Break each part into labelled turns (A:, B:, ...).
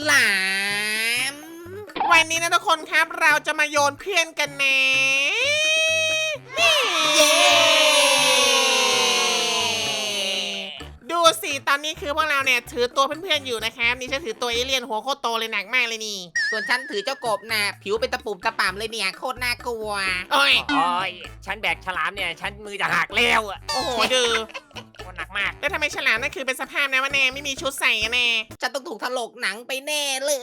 A: หลาม
B: วันนี้นะทุกคนครับเราจะมาโยนเพื่อนกันนะ
A: เย้
B: ดูสิตอนนี้คือพวกเราเนี่ยถือตัวเพื่อนๆอยู่นะครับนี่ฉันถือตัวเอเลี่ยนหัวโคตรโตเลยหนักมากเลยนี่
A: ส่วนฉันถือเจ้ากบนะผิวเป็นตะปุ่มตะป่ำเลยเนี่ยโคตรน่ากลัว
B: โอ้ย
C: โอ้ยฉันแบกฉลามเนี่ยฉันมือจะหักแล้วอ่ะ
B: โอ้โหดู
C: โคตรหนักมาก
B: แล้วทำไมฉลามนั่นคือเป็นสภาพนะวะแน่ไม่มีชุดใส่แน่
A: ฉันต้องถูกถลกหนังไปแน่เลย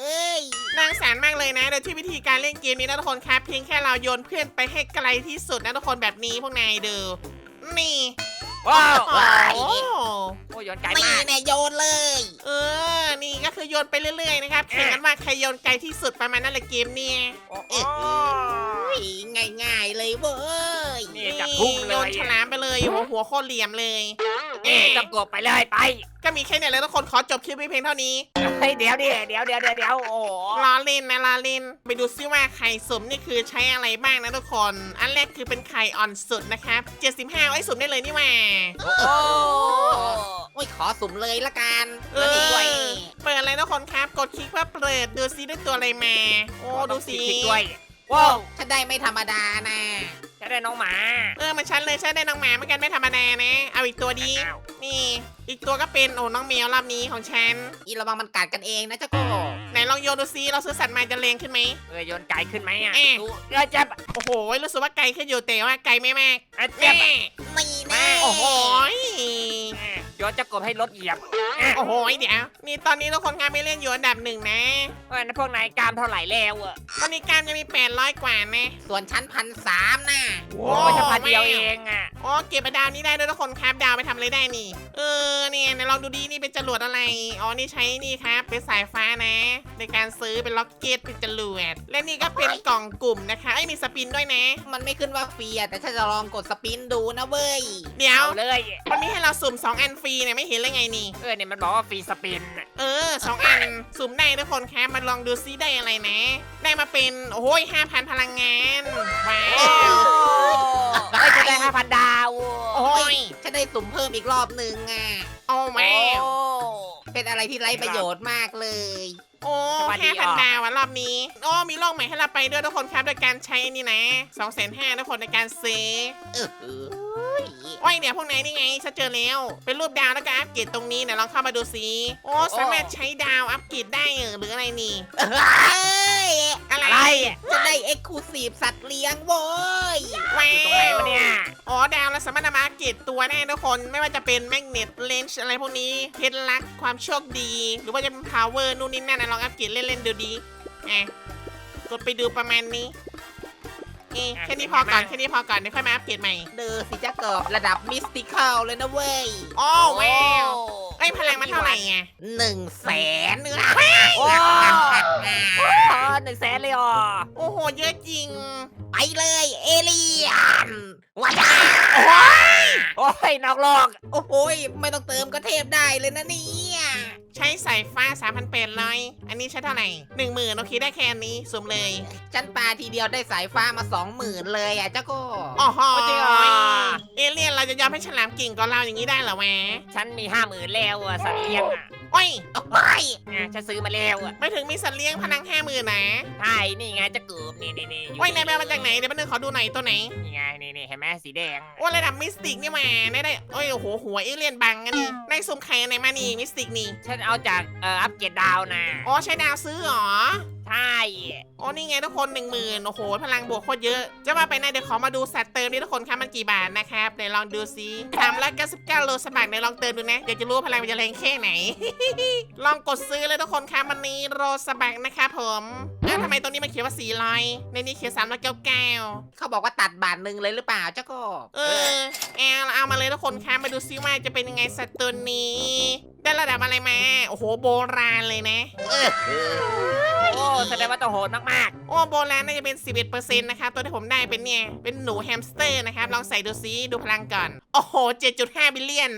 B: น่าสงสารมากเลยนะโดยที่วิธีการเล่นเกมนี้นะทุกคนครับเพียงแค่เราโยนเพื่อนไปให้ไกลที่สุดนะทุกคนแบบนี้พวกนายดูนี่
C: ว้าว
B: โอ้โห
C: โอ้ยโยนไกล
A: นี่
C: มาก
A: แน่โยนเลย
B: นี่ก็คือโยนไปเรื่อยๆนะครับแข่งกันว่าใครโยนไกลที่สุดประมาณนั้นแหละเกมเนี่ย
C: โอ้โห
A: ง่ายๆเลยเว้ย
C: นี่จับพุ่งเล
B: โย
C: ย
B: นฉลามไปเลยหัวโคตรเหลี่ยมเลย
C: จับกบไปเลยไป
B: ก็มีแค่เนี่ยแล้วทุกคนขอจบคลิปไว้เพียงเท่านี้
C: เฮ้ยเดี๋ยวโอ้
B: ล้อเล่นนะล้อเล่นไปดูซิว่าไข่สุ่มนี่คือใช้อะไรบ้างนะทุกคนอันแรกคือเป็นไข่อ่อนสุดนะครับ75ไว้สุ่มได้เลยนี่หว่า
C: โอ้
A: โอ้ยขอสุ่มเลยละกัน
B: เอ
A: แล้วนี่ด้วย
B: เปิดอะไรทุกคนครับกดคลิกเพื่อเปิดดูซิได้ตัวอะไรมาโอ้ดูสิ
C: คลิกด้วยว้าว
A: ฉันได้ไม่ธรรมดานะ
C: ฉันได้น้องหมา
B: มันชันเลยฉันได้น้องหมาเหมือนกันไม่ธรรมดานะเอาอีกตัวดี
C: อ้าว
B: นี่อีกตัวก็เป็นน้องแมวรอบนี้ของฉัน
A: อีระวังมันกัดกันเองนะเจ้าโกบ
B: ไหนลองโยนดูซิเราซื้อสัตว์มาจะแรงขึ้นไหม
C: โยนไกลขึ้นไหมอ่ะ
B: เอ๊ะ
C: ดูจับ
B: โอ้โหรู้สึกว่าไกลขึ้นอยู่แต่ว่าไกลไม่มาก
C: จับ
B: แม่
A: นี่แน่
B: โอ้โห
C: โยนจับกบให้รถเหยียบ
B: โอ้โหเดี๋ยวนี่ตอนนี้ทุกคนงานไม่เล่นอยู่อันดับหนึ่งนะ
C: นั่นพวกนายกล้ามเท่าไหร่แล้วอ่ะ
B: ตอนนี้การจะมี800กว่านะ
A: ส่วนฉัน1,300นะ
C: โอ้ยฉันพันเดียวเองอ่ะ
B: โอ้เก็บดาวนี้ได้ด้วยทุกคนครับดาวไปทำอะไรได้นี่เนี่ยไหนลองดูดีนี่เป็นจรวดอะไรอ๋อนี่ใช้นี่ครับเป็นสายฟ้านะ ในการซื้อเป็นล็อกเก็ตเป็นจรวดและนี่ก็เป็นกล่องกลุ่มนะคะมีสปินด้วยนะ
A: มันไม่ขึ้นว่าฟรีอะแต่ฉันจะลองกดสปินดูนะเว้ย
B: เดี๋ยว
C: เอาเลย
B: มันมีให้เราสุ่ม2อันฟรีเนี่ยไม่เห็นเลยไงนี่
C: เนี่ยมันบอกว่าฟรีสปิน
B: 2อันสุ่มได้ทุกคนครับมาลองดูซิได้อะไรนะ ได้มาเป็นโอ้ย5,000พลังงานว้า
C: โอ้
B: ว
C: ยจะได้5,000 ดาว
B: โอ้ย
A: ฉันได้สุ่มเพิ่มอีกรอบหนึ่งอะ
B: โอ้แม่
C: โอ้
A: เป็นอะไรที่ไร้ประโยชน์มากเลย
B: โอ้
C: สวัสดี
B: 5,000 ดาวอะรอบนี้มีโลกใหม่ให้เราไปด้วยทุกคนครับโดยการใช้นี่นะ250,000ทุกคนในการซื้อ
A: เออ
B: โอ้ยเนี่ยพวกนายนี่ไงฉันเจอแล้ว เป็นรูปดาวแล้วก็อัปเกรดตรงนี้เดี๋ยวลองเข้ามาดูซิสามารถใช้ดาวอัปเกรดได้หรืออะไรนี่
A: เอ้ย
B: อะไร
C: อะไร
A: จะได้เอ็กซ์คลูซีฟสัตว์เลี้ยงโว้ย
B: ว้า
C: อยู่ตรงไหนวะเนี่ย
B: ดาวเราสามารถนำมาอัปเกรดตัวได้ทุกคนไม่ว่าจะเป็นแมกเนตเลนส์อะไรพวกนี้เพชรลักความโชคดี หรือว่าจะเป็นพาวเวอร์นู่นนี่นั่นนะลองอัปเกรดเล่นๆดูดีกดไปดูประมาณนี้แค่นี้พอก่อนเดี๋ยวค่อยมาอัปเกรดใหม่
A: เดอสิจะเกิบระดับมิสติคอลเลยนะเว้ย
B: โอ้แววพลังมันเท่าไหร่ไง
A: 100,000
C: โอ้100,000เลยอ่ะ
B: โอ้โหเยอะจริง
A: ไปเลยเอเลียนว้า
C: โอ้ยนอกโลก
A: โอ้โหยไม่ต้องเติมก็เทพได้เลยนะเนี่ย
B: ใช้สายฟ้า3,800อันนี้ใช้เท่าไหร่10,000โอเคได้แค่อันนี้สุ่มเลย
A: ฉันปาทีเดียวได้สายฟ้ามา 20,000เลยอ่ะเจ้าโก็
B: อ๋อ
C: จริงเหรอ
B: เอเลี่ยนเราจะยอมให้ฉลามกิ่งก่อนเราอย่างนี้ได้เหรอแหวะ
C: ฉันมี50,000แล้วอ่ะสัตว์เลี้ยงอ่ะ
B: โอ้ย
A: โอ้ย
C: ฉันซื้อมาแล้วอ่ะ
B: ไม่ถึงมีสัตว์เลี้ยงพลัง50,000นะ
C: ใช่นี่ไงจะเกือบนี่อยู่
B: โอ้ยนายแมวมาจากไหนเดี๋ยวแป๊บนึงขอดูหน่อยตัวไหน
C: นี่ไงนี่เห็นไหมสีแดง
B: โอ้ระดับมิสติกนี่มาได้โอ้ยโอ้โหหัวเอเลี่ยนบังอันนี้ในสุ่มไข่อันไหนมานี่มิสติกนี่
C: ฉันเอาจากอัปเกรดดาวนะ
B: อ๋อใช้ดาวซื้อเหรอ
C: ใช่
B: อ๋อนี่ไงทุกคน10,000โอ้โหพลังบวกโคตรเยอะ จะว่าไปนะเดี๋ยวขอมาดูสัตว์เติมนี่ทุกคนครับมันกี่บาทนะครับเดี๋ยวลองดูซิ399โลสมัครเดี๋ยวลองเติมดูนะอยากจะรู้ว่าพลังมันจะแรงแค่ไหน ลองกดซื้อเลยทุกคนครับมันนี้โรสบักนะครับผมทำไมตรงนี้มันเขียนว่า400ในนี้เขียน399
A: เขาบอกว่าตัดบาทหนึ่งเลยหรือเปล่าเจ้าโก็
B: เอามาเลยทุกคนครับมาดูซิว่าจะเป็นยังไงสัตว์ตัวนี้ ได้ระดับอะไรมาโอ้โหโบราณเลยนะ
C: โอ้แสดงว่าต้องโหดมาก
B: โอ้โบราณน่าจะเป็น 11%นะคะตัวที่ผมได้เป็นเนี่ยเป็นหนูแฮมสเตอร์นะครับลองใส่ดูซิดูพลังก่อนโอ้โห 7.5 บิลเลียน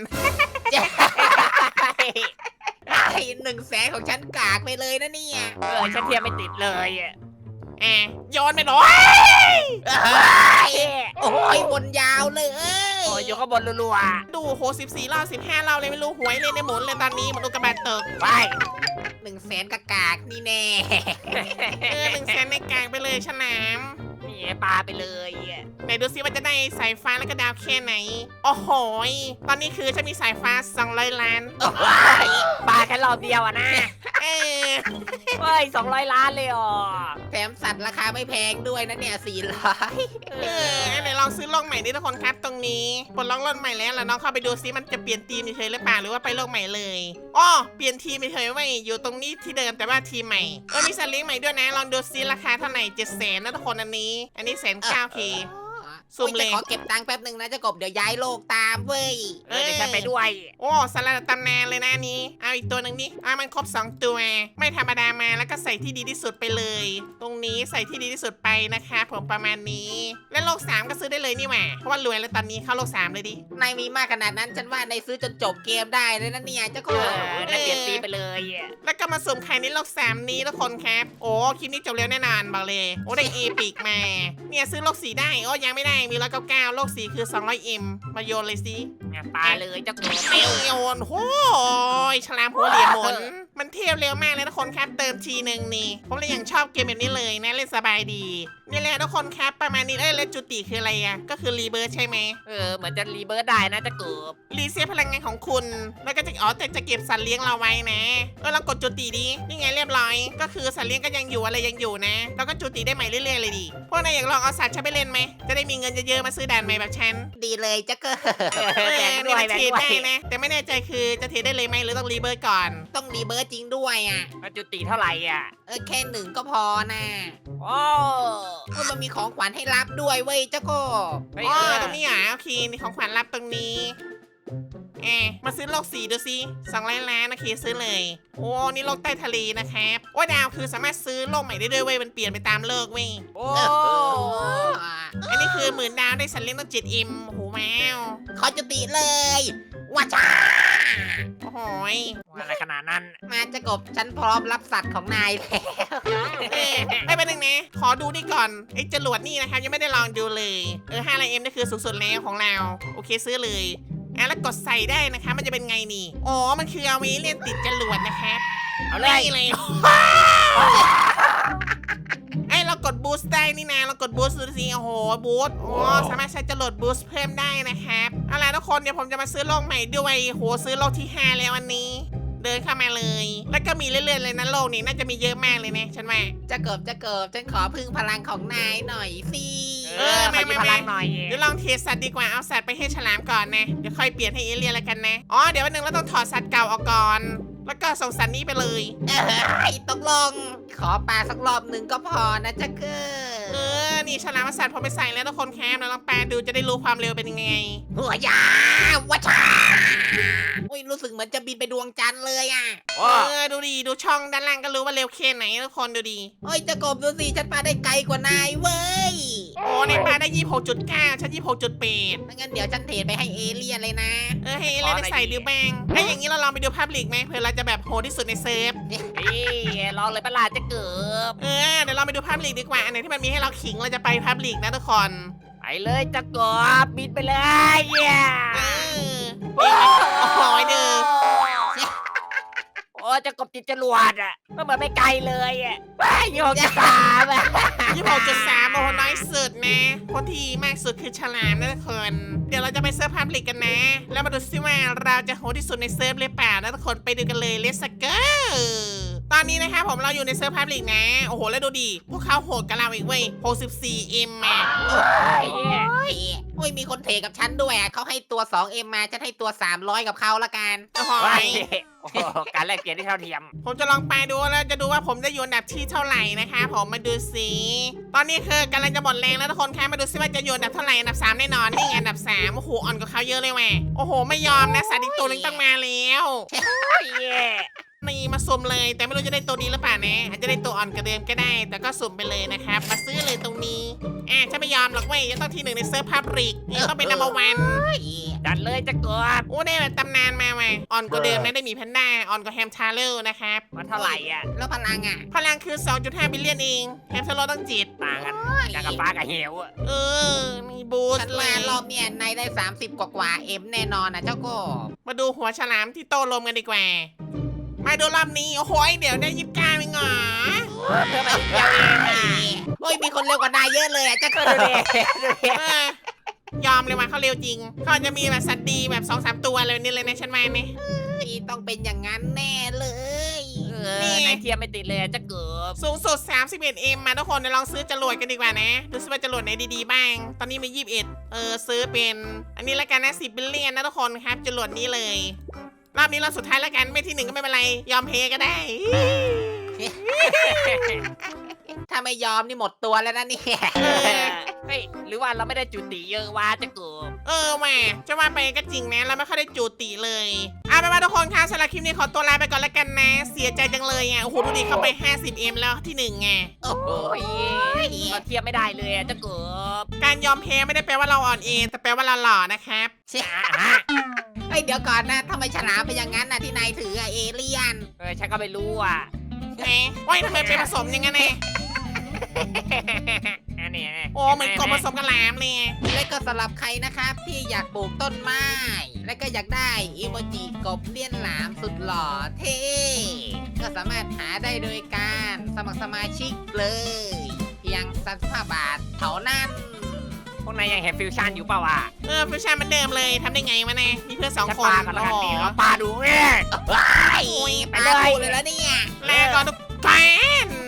A: ไอ้100,000ของฉันกากไปเลยนะเนี่ย
C: ฉันเทียบไม่ติดเลยอ่ะ
B: ย้อนไปหน่อย
A: โอ้ยบนยาวเลย
C: โอ้ยอยู่ข้างบนรัว
B: ดูโห14 รอบ 15 รอบเลยไม่รู้หวยเลยในหมุนเลยตอนนี้มันอุกกาบาตตก
C: ๆไป
A: 100,000กากากนี่แน่
B: 100,000ในกลางไปเลยฉลาม
C: นี่ปลาไปเลยอะ
B: ไหนดูซิว่าจะได้สายฟ้าแล้วก็ดาวแค่ไหน โอ้โหยตอนนี้คือฉันมีสายฟ้า200 ล้าน
C: ปลาแค่รอบเดียวอะนะ
B: เออ
C: เฮ้ย200 ล้านเลยอ๋อ
A: แถมสัตว์ราคาไม่แพงด้วยนะเนี่ย400
B: ไหนลองซื้อโลกใหม่ดิทุกคนครับตรงนี้ปลดล็อกรถใหม่แล้วน้องเข้าไปดูซิมันจะเปลี่ยนทีมเฉยๆหรือเปล่าหรือว่าไปโลกใหม่เลยอ้อเปลี่ยนทีมเฉยๆไว้อยู่ตรงนี้ที่เดิมแต่ว่าทีมใหม่มีสัตว์เลี้ยงใหม่ด้วยนะลองดูซิราคาเท่าไหร่700,000นะทุกคนอันนี้109K สุ่มเลย
A: จะขอเก็บตังค์แป๊บหนึ่งนะเจ้ากบเดี๋ยวย้ายโลกตามเว้ย
C: เดี๋ยวฉันไปด้วย
B: โอ้สลัดตำนานเลยนะอันนี้เอาอีกตัวหนึ่งดิมันครบ2ตัวไม่ธรรมดามาแล้วก็ใส่ที่ดีที่สุดไปเลย ตรงนี้ใส่ที่ดีที่สุดไปนะคะผมประมาณนี้และโลก3ก็ซื้อได้เลยนี่หว่าเพราะว่ารวยแล้วตอนนี้เข้าโลก3เลยดิ
A: นายมีมากขนาดนั้นฉันว่านายซื้อจนจบเกมได้เลยนะเนี่ยเจ้ากบ
C: นั่นเปลี่ยนตีไปเลยอะ
B: แล้วก็มาสุ่มไข่ในโลก3นี้ทุกคนครับโอ้คลิปนี้จบเร็วแน่นอนบอกเลยโอ้ได้เอพิกมาเนี่ยซื้อโลก4ได้โอ้ยังไม่ได้มี199โลก4คือ 200M มาโยนเลยสิ
C: ปลาเลยเจ้าตัว
B: ไม่โยนโอ้ยฉลามหัวเหลี่ยมหมุนมันเทียบเร็วมากเลยทุกคนครับเติมทีหนึ่งนี่ผมเลยยังชอบเกมแบบนี้เลยนะเล่นสบายดีนี่แหละทุกคนครับประมาณนี้แล้วจุติคืออะไรอ่ะก็คือรีเบิร์ใช่ไหม
C: เหมือนจะรีเบิร์ดได้นะเจ้าเกือบ
B: รีเซ็ตพลังงานของคุณแล้วก็จะแต่จะเก็บสัตว์เลี้ยงเราไว้นะเรากดจุติดีนี่ไงเรียบร้อยก็คือสัตว์เลี้ยงก็ยังอยู่อะไรยังอยู่นะแล้วก็จุติได้ใหม่เรื่อยๆเลยดิพวกนายอยากลองเอาสัตว์ฉันไปเล่นไหมจะได้มีเงินเยอะๆมาซื้อด่านใหม่แบบฉัน
A: ดีเลยเจ้าเกบ
C: แบ่งด้วย
B: นี่มัน
C: แบ่ง
B: เทรด
C: ด้ว
B: ได้
C: ย
B: นะแต่ไม่แน่ใจคือจะเทรดได้เลยไหมหรือต้องรีเบิร์ก่อน
A: ต้องรีเบิร์ตจริงด้วยอ่ะ
C: จุติเท่าไหร่อ่ะ
A: แค่หนึ่งก็พอนะ
C: โอ้
A: มันมีของขวัญให้รับด้วยเว้ยเจ้ากบ
B: อ๋อตรงนี้โอเคนี่ของขวัญรับตรงนี้มาซื้อโลก4ดูสิ200 ล้านโอเคซื้อเลยโอ้นี่โลกใต้ทะเลนะครับโอ้ดาวคือสามารถซื้อโลกใหม่ได้ด้วยเว้ยมันเปลี่ยนไปตามโลกเว้ย
C: โอ้
B: อันนี้คือ10,000 ดาวได้สัตว์เลี้ยงต้อง7M โอ้โหแมว
A: ขอจุติเลยว้าจ้า
B: โอ้โหย
C: อะไรขนาดนั้น
A: มาเจ้ากบฉันพร้อมรับสัตว์ของนายแล้ว
B: ไม่เป็นหนึ่งนะขอดูนี่ก่อนไอ้จรวดนี่นะครับยังไม่ได้ลองดูเลย500M นี่คือสูงสุดแล้วของเราโอเคซื้อเลยแล้วกดใส่ได้นะคะมันจะเป็นไงนี่อ๋อมันคือเอาไว้เล่นติดจรวดนะครับ
C: เอาเลย
B: นี่เลยเรากดบูสต์ได้นี่นะเรากดบูสต์ดูสิโอ้โหบูสต์สามารถใช้จรวดบูสต์เพิ่มได้นะครับเอาล่ะทุกคนเดี๋ยวผมจะมาซื้อโลกใหม่ด้วยโหซื้อโลกที่5แล้ววันนี้ เดินเข้ามาเลย แล้วก็มีเรื่อยๆเลยนะโลกนี้น่าจะมีเยอะมากเลยนะฉันว่า
A: เจ้ากบฉันขอพึ่งพลังของนายหน่อยสิ
C: ขอยืมพลังหน่อย
B: เดี๋ยวลองเทสสัตว์ดีกว่าเอาสัตว์ไปให้ฉลามก่อนนะเดี๋ยวค่อยเปลี่ยนให้เอเลี่ยนแล้วกันนะเดี๋ยววันหนึ่งเราต้องถอดสัตว์เก่าออกก่อนแล้วก็ส่งสัตว์นี้ไปเลย
A: ตกลงขอปลาสักรอบหนึ่งก็พอนะเจ้าเกบ
B: นี่ฉลามสัตว์พอไปใส่แล้วทุกคนแคมแล้วลองแปลดูจะได้รู้ความเร็วเป็นยังไง
A: หัวยาวัชาอุ้ยรู้สึกเหมือนจะบินไปดวงจันทร์เลยอ่ะ
B: ดูดีดูช่องด้านล่างก็รู้ว่าเร็วแค่ไหนทุกคนดูดี
A: โอ้ยเจ้ากบดูสิฉันปลาได้ไกลกว่านายเว้ย
B: ในปลาได้26.9ฉัน26.8
A: งั้นเดี๋ยวฉันเทรดไปให้เอเลี่ยนเลยนะ
B: ให้เล่นไปใส่ดิวแบงอย่างนี้เราลองไปดูภาพลีกไหมเผื่อเราจะแบบโหดที่สุดในเซิร์ฟ
C: นี่ลองเลยประหลาดจะเกือบ
B: เดี๋ยวเราไปดูภาพลีกดีกว่าอันไหนที่มันมีให้เราขิงเราจะไปภาพลีกนะทุกคน
C: ไปเลยจะเกือบบินไปเลยเย้
B: โอ้โหเด้อ
C: โอ้จะกบติดจรวดอ่ะมันเหมือนไม่ไกลเลยอ่ะ23อ่ะ
B: 26.3โอ้โหน้อยสุดนะคนที่มากสุดคือฉลามนะทุกคนเดี๋ยวเราจะไปเซิร์ฟภาพลีกกันนะ แล้วมาดูซิว่าเราจะโหดที่สุดในเซิร์ฟหรือเปล่านะทุกคนไปดูกันเลยเลสเกอร์ตอนนี้นะคะผมเราอยู่ในเซิร์ฟภาพลีกนะโอ้โหแล้วดูดิพวกเขาโหดกับเราอีกเว้ย 64M อ่ะ
A: โอ้ยมีคนเทรดกับฉันด้วยอะเขาให้ตัว 2M มาฉันให้ตัว 300กับเขาละกัน
B: โอ้โห
C: โอ้โหการแลกเปลี่ยนที่เท่าเทียม
B: ผมจะลองไปดูแล้วจะดูว่าผมจะอยู่อันดับที่เท่าไหร่นะคะผมมาดูสิตอนนี้คือกำลังจะหมดแรงแล้วทุกคนคะมาดูซิว่าจะอยู่อันดับเท่าไหร่อันดับ3แน่นอนนี่ไงอันดับ3โอ้โหอ่อนกว่าเขาเยอะเลยแม่โอ้โหไม่ยอมนะสัตว์อีกตัวนึงต้องมาแล้ว
C: เย้
B: นี่มาสุ่มเลยแต่ไม่รู้จะได้ตัวดีหรือเปล่านะอาจจะได้ตัวอ่อนกว่าเดิมก็ได้ แต่ก็สุ่มไปเลยนะครับมาซื้อเลยตรงนี้ฉันไม่ยอมหรอกเว้ยจะต้องที่1ในเซิร์ฟพับริกนี่ต้องเป็นนัมเบอร์วัน
C: จัดเลยจะเกือบ
B: โอ้ได้แบบตำนานมาว่ะอ่อนกว่าเดิมนะได้มีแพนด้าอ่อนกว่าแฮมชาร์เลอร์นะครับ
C: มันเท่าไหร่อ่ะ
A: แล้วพลังอ่ะ
B: พลังคือ 2.5 บิลเลียนเองแฮมชาร์เลอร์ต้อง7
C: ต่างกันจากกับฟ้ากับเหวอ่ะ
B: มีบูส
A: ฉัน
B: ต์เล
A: มาย รอบเนี่ยนายได้ 30 กว่าเอ็มแน่นอนนะเจ้าก็
B: มาดูหัวฉลามที่โตลมกันดีกว่ามาดูรอบนี้โอ้โหเดี๋ยวได้29เองเหรอ
C: เพิ่มมาอีกเดียวเองอ่ะ
A: โอ้ยมีคนเร็วกว่านายเยอะเลยอ่ะจะ
C: ก็
A: เกิด
C: ดูดิดูดิ
B: ยอมเลยว่าเขาเร็วจริงเขาจะมีแบบสัตว์ดีแบบ2-3ตัวเลยนี่เลยนะฉันมาเนี่ย
A: ต้องเป็นอย่างนั้นแน่เลย
C: นายเทียมไม่ติดเลยจะเกือบ
B: สูงสุด 31M มาทุกคนเดี๋ยวลองซื้อจรวดกันดีกว่านะดูซิว่าจรวดไหนดีๆบ้าง ตอนนี้มี21ซื้อเป็นอันนี้ละกันนะ10 บิลเลียนนะทุกคนครับจรวดนี้เลยรอบนี้เราสุดท้ายแล้วกันไม่ที่หนึ่งก็ไม่เป็นไรยอมเพก็ได้
A: ถ้าไม่ยอมนี่หมดตัวแล้วนะเนี่ย
C: เฮ้ยหรือว่าเราไม่ได้จุติเยอะวะจะเกือบ
B: แหม่จะว่าไปก็จริงนะเราไม่ค่อยได้จูติเลยเอาไปนว่าทุกคนค่ะสำหรับคลิปนี้ขอตัวลาไปก่อนแล้วกันนะ เสียใจจังเลยอ่ะโอ้โหดูดิเข้าไป 50M แล้วที่หนึ่งไง
A: โอ้โห
C: โอ้ยเราเทียมไม่ได้เลยจะเกือบ
B: การยอมแพ้ไม่ได้แปลว่าเราอ่อนเองแต่แปลว่าเราหล่อนะครับ
A: เฮ้ยเดี๋ยวก่อนนะทำไมฉลามเป็นอย่างนั้นนะที่นายถืออะเอเลี่ยน
C: ฉันก็ไม่รู้อ่ะ
B: แหมว่าทำไมเป็นผสมอย่างนั้นเนี่ย
C: อันนี้
B: โอ้เหมือนกบผสมกับหลามเลย
A: และก็สำหรับใครนะครับที่อยากปลูกต้นไม้ และก็อยากได้อีโมจิกบเลี้ยนหลามสุดหล่อเท่ก็สามารถหาได้โดยการสมัครสมาชิกเลย เพียง35 บาทเท่านั้น
C: พวกนายยังเห็นฟิวชั่นอยู่เปล่าวะ
B: ฟิวชั่นเหมันเดิมเลยทำได้ไงวะเนี่ยมีเพื่อน2 คน
C: ปากันแล้วกันนี่เราปาดู
A: ว้าย
B: โอ้ย
A: ไปเลยเลยแล้วเนี่ย
B: แลกก่อนทุกท่าน